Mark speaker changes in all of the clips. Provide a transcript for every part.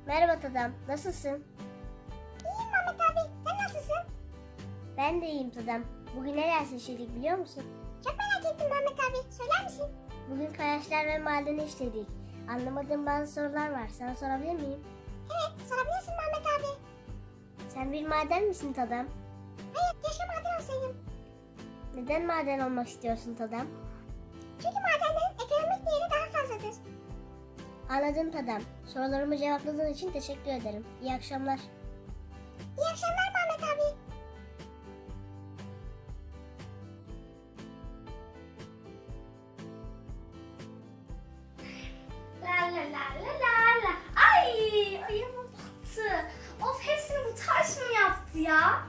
Speaker 1: Merhaba Tadam, nasılsın?
Speaker 2: İyiyim Mehmet abi. Sen nasılsın?
Speaker 1: Ben de iyiyim Tadam. Bugün neler seçildik biliyor musun?
Speaker 2: Çok merak ettim Mehmet abi. Söyler misin?
Speaker 1: Bugün kayaçlar ve madeni işledik. Anlamadığım bazı sorular var. Sana sorabilir miyim?
Speaker 2: Evet, sorabilirsin Mehmet abi.
Speaker 1: Sen bir maden misin Tadam?
Speaker 2: Hayır, keşke maden olsaydım.
Speaker 1: Neden maden olmak istiyorsun Tadam?
Speaker 2: Çünkü madenlerin ekonomik değeri daha fazladır.
Speaker 1: Anladım Tadam. Sorularımı cevapladığın için teşekkür ederim. İyi akşamlar.
Speaker 2: İyi akşamlar Mehmet abi.
Speaker 3: La la la la la la. Ay ayağıma battı. Of hepsini bu taş mı yaptı ya?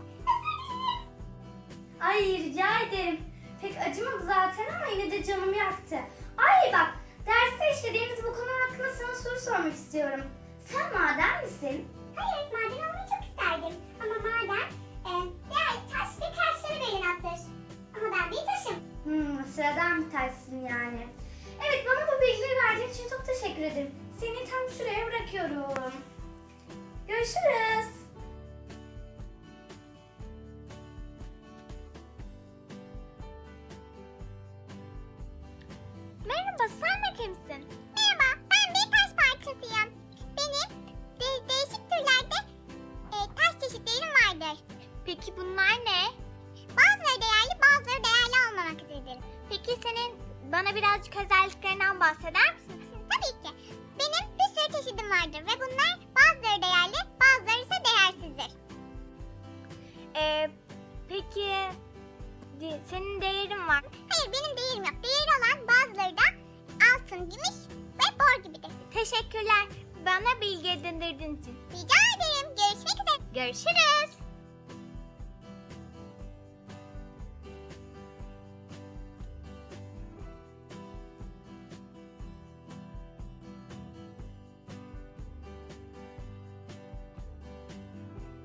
Speaker 3: Ay rica ederim. Pek acımadı zaten ama yine de canımı yaktı. Ay bak derste işlediğimiz bu konu hakkında sana soru sormak istiyorum. Sen maden misin?
Speaker 2: Hayır, maden olmayı çok isterdim. Ama maden değerli taş ve karşıları belirlenir. Ama ben bir taşım.
Speaker 3: Sıradan bir taşsın yani. Evet bana bu bilgileri verdiğin için çok teşekkür ederim. Seni tam şuraya bırakıyorum. Görüşürüz.
Speaker 2: Merhaba, sen de kimsin? Merhaba, ben bir taş parçasıyım. Benim değişik türlerde taş çeşitlerim vardır.
Speaker 4: Peki bunlar ne?
Speaker 2: Bazıları değerli, bazıları değerli olmamaktadır.
Speaker 4: Peki senin bana birazcık özelliklerinden bahseder misin?
Speaker 2: Tabii ki. Benim bir sürü çeşidim vardır ve bunlar bazıları değerli, bazıları ise değersizdir.
Speaker 4: Peki senin değerin var.
Speaker 2: Hayır, benim değerim yok. Değeri olan bazıları da altın, gümüş ve bor gibidir.
Speaker 4: Teşekkürler bana bilgi edindirdiğin için.
Speaker 2: Rica ederim. Görüşmek üzere.
Speaker 4: Görüşürüz.